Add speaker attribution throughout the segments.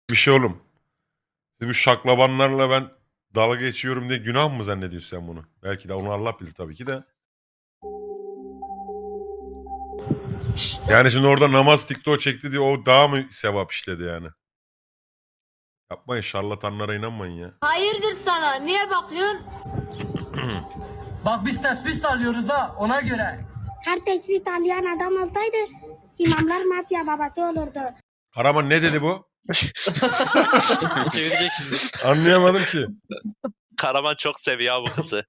Speaker 1: Bir şey oğlum. Siz bu şaklabanlarla ben dalga geçiyorum diye günah mı zannediyorsun sen bunu? Belki de onu Allah bilir tabii ki de. Yani şimdi orada namaz TikTok çekti diye o daha mı sevap işledi yani? Yapmayın, şarlatanlara inanmayın ya.
Speaker 2: Hayırdır sana? Niye bakıyorsun?
Speaker 3: Bak biz tesbih sallıyoruz ha ona göre.
Speaker 4: Her tesbih tallayan adam olsaydı imamlar mafya babası olurdu.
Speaker 1: Karaman ne dedi bu?
Speaker 5: Çevirecek şimdi.
Speaker 1: Anlayamadım ki.
Speaker 5: Karaman çok seviyor bu kızı.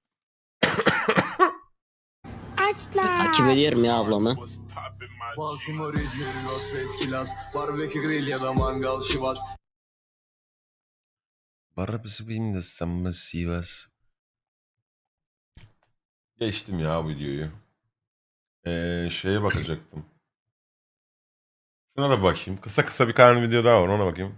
Speaker 4: Açlar.
Speaker 6: Takip ediyorum ya ablamı.
Speaker 7: Baltimore, İzmir, Los Veskilas, barbekü grill ya da mangal şivas.
Speaker 1: Barabısı bin de sanma Sivas. Geçtim ya bu videoyu. Şeye bakacaktım. Şuna da bakayım. Kısa kısa bir tane video daha var, ona bakayım.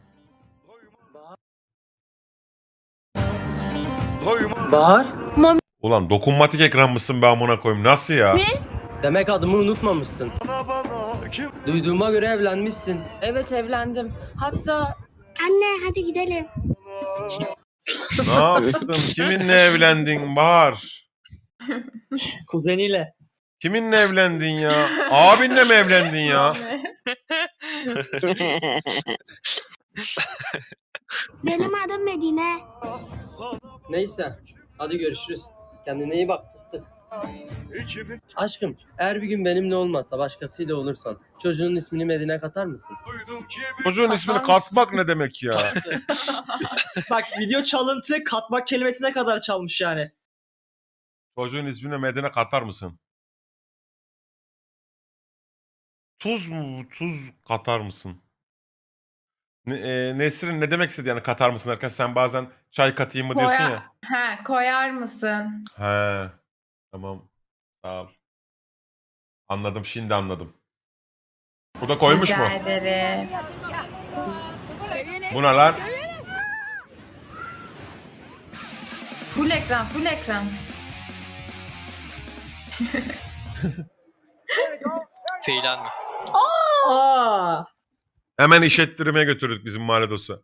Speaker 3: Bahar.
Speaker 1: Ulan dokunmatik ekran mısın be amına koyayım? Nasıl ya?
Speaker 3: Demek adımı unutmamışsın. Duyduğuma göre evlenmişsin.
Speaker 2: Evet evlendim. Hatta
Speaker 4: Anne hadi gidelim.
Speaker 1: Ne yaptın? Kiminle evlendin Bahar?
Speaker 3: Kuzeniyle.
Speaker 1: Kiminle evlendin ya? Abinle mi evlendin ya?
Speaker 4: Benim adım Medine.
Speaker 3: Neyse. Hadi görüşürüz. Kendine iyi bak fıstık. Aşkım eğer bir gün benimle olmazsa başkasıyla olursan çocuğun ismini Medine katar mısın?
Speaker 1: Çocuğun ismini katmak ne demek ya?
Speaker 8: Bak video çalıntı katmak kelimesine kadar çalmış yani.
Speaker 1: Çocuğun ismini Medine katar mısın? Tuz mu? Tuz katar mısın? Nesrin ne demek istedi yani katar mısın derken, sen bazen çay katayım mı diyorsun ya.
Speaker 9: He, koyar mısın?
Speaker 1: He. Tamam. Sağ ol. Anladım, şimdi anladım. Bu da koymuş mu?
Speaker 9: Rica ederim.
Speaker 1: Bu ne lan?
Speaker 9: Full ekran, full ekran.
Speaker 5: Feylan.
Speaker 8: Aa!
Speaker 1: Hemen iş ettirmeye götürdük bizim mahalle dostu.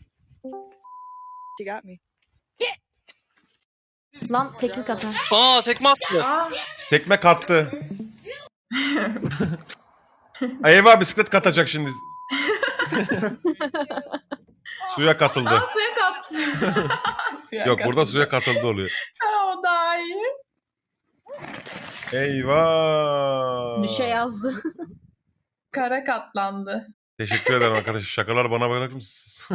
Speaker 2: lan teknik atar.
Speaker 5: Aa tekme attı.
Speaker 9: Aa,
Speaker 1: Tekme kattı. Eyvah, bisiklet katacak şimdi. Suya katıldı.
Speaker 9: suya kattı. Suya
Speaker 1: Yok,
Speaker 9: kattı.
Speaker 1: burada suya katıldı oluyor.
Speaker 9: Ha, o daha iyi.
Speaker 1: Eyvah.
Speaker 2: Bir şey yazdı.
Speaker 9: Kara katlandı.
Speaker 1: Teşekkür ederim arkadaşlar. Şakalar bana bırakır mısınız?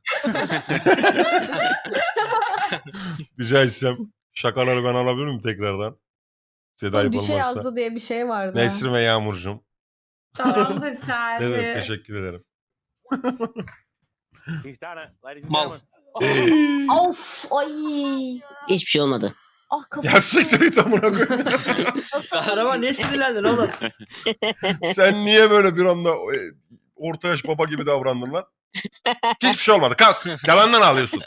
Speaker 1: Rica etsem şakaları ben alabilir miyim tekrardan? Size de ayıp
Speaker 2: bir şey
Speaker 1: olmazsa.
Speaker 2: yazdı diye bir şey vardı.
Speaker 1: Nesrin ve Yağmurcuğum.
Speaker 9: Tamamdır
Speaker 1: Ne
Speaker 9: Charlie.
Speaker 1: demek, teşekkür ederim.
Speaker 5: Mal.
Speaker 2: Of ay.
Speaker 6: Hiçbir şey olmadı.
Speaker 2: Ah kafam.
Speaker 1: Ya siktir git amına koyayım.
Speaker 8: Araba ne sinirlendin oğlum?
Speaker 1: Sen niye böyle bir anda orta yaş baba gibi davrandın lan? Hiçbir şey olmadı. Kalk. Yalandan ağlıyorsun.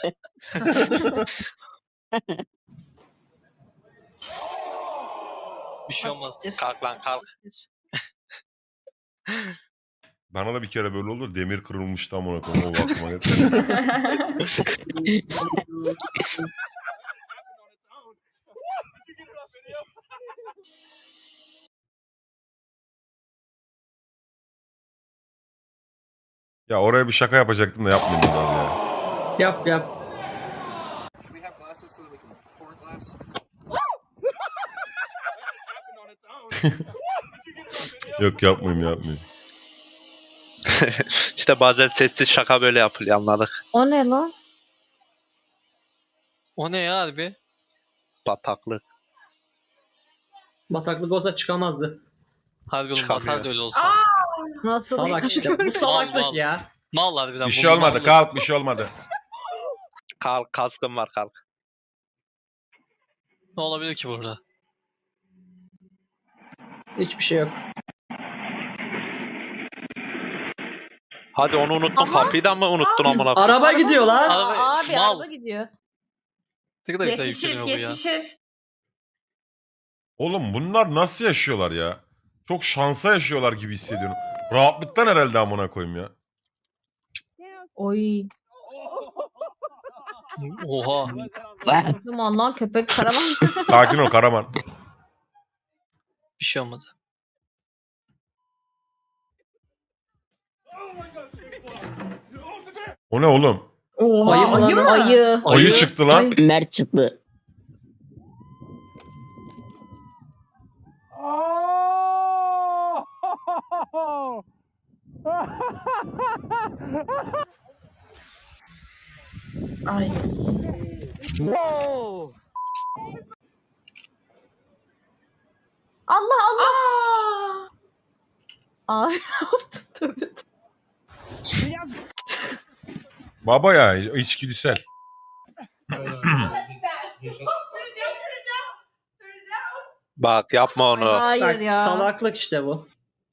Speaker 5: Bir şey olmaz. Kalk lan kalk.
Speaker 1: Bana da bir kere böyle oldu. Demir kırılmıştı amına koyayım. O aklıma geldi. Ya oraya bir şaka yapacaktım da yapmayayım abi ya.
Speaker 8: Yap yap.
Speaker 1: Yok, yapmayayım.
Speaker 5: İşte bazen sessiz şaka böyle yapılıyor, anladık.
Speaker 2: O ne lan?
Speaker 5: O ne ya harbi? Bataklık.
Speaker 8: Bataklık olsa çıkamazdı.
Speaker 5: Harbi oğlum Çıkamıyor. batar da öyle olsa.
Speaker 2: Nasıl?
Speaker 8: Salak işte. Bu salaklık
Speaker 5: Mal.
Speaker 8: ya.
Speaker 5: Mal harbiden.
Speaker 1: Bir
Speaker 5: bu
Speaker 1: şey olmadı.
Speaker 5: mallık.
Speaker 1: Kalk, bir şey olmadı.
Speaker 5: Kalk, kaskın var kalk. Ne olabilir ki burada?
Speaker 8: Hiçbir şey yok.
Speaker 5: Hadi onu unuttun,
Speaker 2: Ama-
Speaker 5: kapıyı da mı unuttun amına koyayım?
Speaker 8: Araba gidiyor lan.
Speaker 5: Araba-
Speaker 2: Abi
Speaker 5: mal.
Speaker 2: araba gidiyor.
Speaker 5: Ne kadar güzel
Speaker 9: Yetişir,
Speaker 5: yükleniyor bu ya.
Speaker 9: yetişir.
Speaker 1: Oğlum bunlar nasıl yaşıyorlar ya? Çok şansa yaşıyorlar gibi hissediyorum. Rahatlıktan herhalde amına koyayım ya.
Speaker 2: Oy.
Speaker 5: Oha.
Speaker 2: Aman lan köpek karavan.
Speaker 1: Sakin ol Karaman.
Speaker 5: Bir şey olmadı.
Speaker 1: O ne oğlum?
Speaker 2: Oha,
Speaker 8: Ayı mı lan
Speaker 2: ayı
Speaker 8: o?
Speaker 2: mı? Ayı.
Speaker 1: Ayı çıktı lan.
Speaker 2: Ay.
Speaker 6: Mert çıktı.
Speaker 9: Ay.
Speaker 2: Allah Allah.
Speaker 9: Aa.
Speaker 2: Ay tövbe.
Speaker 1: Baba ya içgüdüsel.
Speaker 5: Bak yapma onu.
Speaker 2: Hayır
Speaker 8: Bak
Speaker 2: ya.
Speaker 8: salaklık işte bu.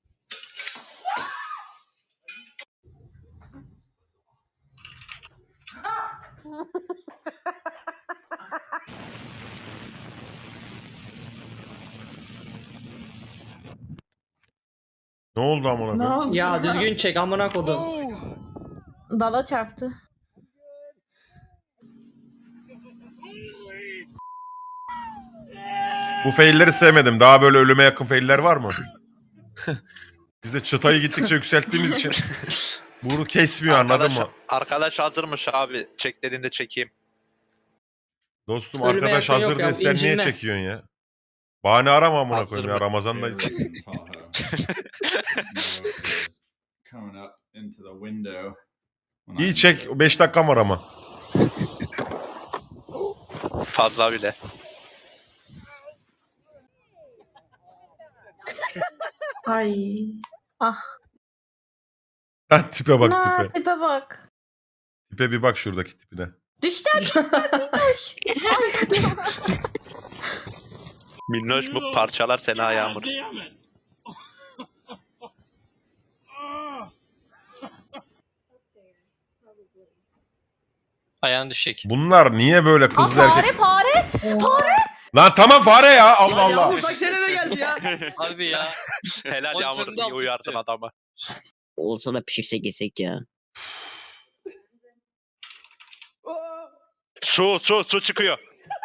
Speaker 1: Ne oldu amına
Speaker 9: Ne
Speaker 1: koyayım?
Speaker 9: oldu?
Speaker 8: Ya düzgün çek amına kodum.
Speaker 2: Dala çarptı.
Speaker 1: Bu failleri sevmedim. Daha böyle ölüme yakın failler var mı? Biz de çıtayı gittikçe yükselttiğimiz için bunu kesmiyor anladın mı?
Speaker 5: Arkadaş hazırmış abi. Çek dediğinde çekeyim.
Speaker 1: Dostum
Speaker 8: Ölüme
Speaker 1: arkadaş
Speaker 8: yakın yok
Speaker 1: hazır
Speaker 8: ya,
Speaker 1: diye sen niye
Speaker 8: incinme.
Speaker 1: çekiyorsun ya? Bahane arama amına
Speaker 5: Hazır
Speaker 1: koyayım ya
Speaker 5: mı?
Speaker 1: Ramazan'dayız. İyi çek 5 dakikam var ama.
Speaker 5: Fazla bile.
Speaker 9: Ay.
Speaker 1: Ha, tipe bak
Speaker 2: Na,
Speaker 1: tipe.
Speaker 2: tipe bak.
Speaker 1: Tipe bir bak şuradaki tipine.
Speaker 2: Düşler minnoş.
Speaker 5: Minnoş mu parçalar seni ayağımı. Ayağın düşecek.
Speaker 1: Bunlar niye böyle
Speaker 2: Aa,
Speaker 1: kızlar erkek...
Speaker 2: fare fare.
Speaker 1: Lan tamam fare ya Allah Allah.
Speaker 8: Yağmur bak sene de geldi ya.
Speaker 5: Harbi ya. Helal Yağmur
Speaker 8: Monitöründe
Speaker 5: iyi
Speaker 8: alt
Speaker 5: uyardın
Speaker 8: üstü.
Speaker 5: adamı.
Speaker 6: Olsa da pişirsek yesek ya.
Speaker 5: Su çıkıyor.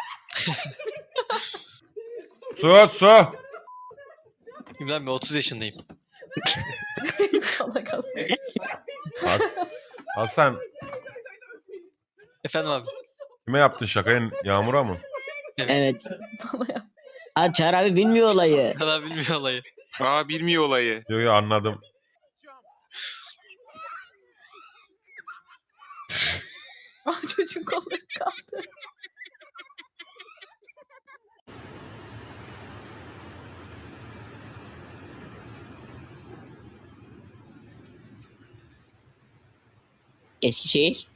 Speaker 1: Su.
Speaker 5: Ben 30 yaşındayım.
Speaker 2: Salak Hasan.
Speaker 1: Hasan
Speaker 5: Efendim abi.
Speaker 1: kime yaptın şakayı? Yağmur'a mı?
Speaker 6: Evet.
Speaker 2: Bana yap.
Speaker 6: Ha Çağrı abi bilmiyor olayı.
Speaker 5: Kadar bilmiyor olayı.
Speaker 10: Aa bilmiyor olayı.
Speaker 1: Yo anladım.
Speaker 2: Ah çocuğun kolları kaldı.
Speaker 6: Eskişehir.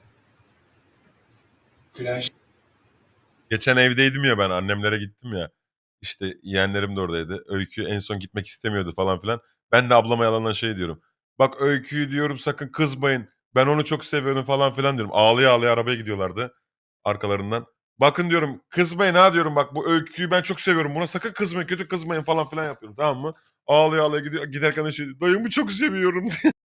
Speaker 1: Geçen evdeydim ya ben annemlere gittim ya. İşte yeğenlerim de oradaydı. Öykü en son gitmek istemiyordu falan filan. Ben de ablama yalandan şey diyorum. Bak Öykü'yü diyorum sakın kızmayın. Ben onu çok seviyorum falan filan diyorum. Ağlaya ağlaya arabaya gidiyorlardı arkalarından. Bakın diyorum kızmayın ha diyorum bak bu Öykü'yü ben çok seviyorum. Buna sakın kızmayın kötü kızmayın falan filan yapıyorum tamam mı? Ağlaya ağlaya giderken de şey diyor, dayımı çok seviyorum diye.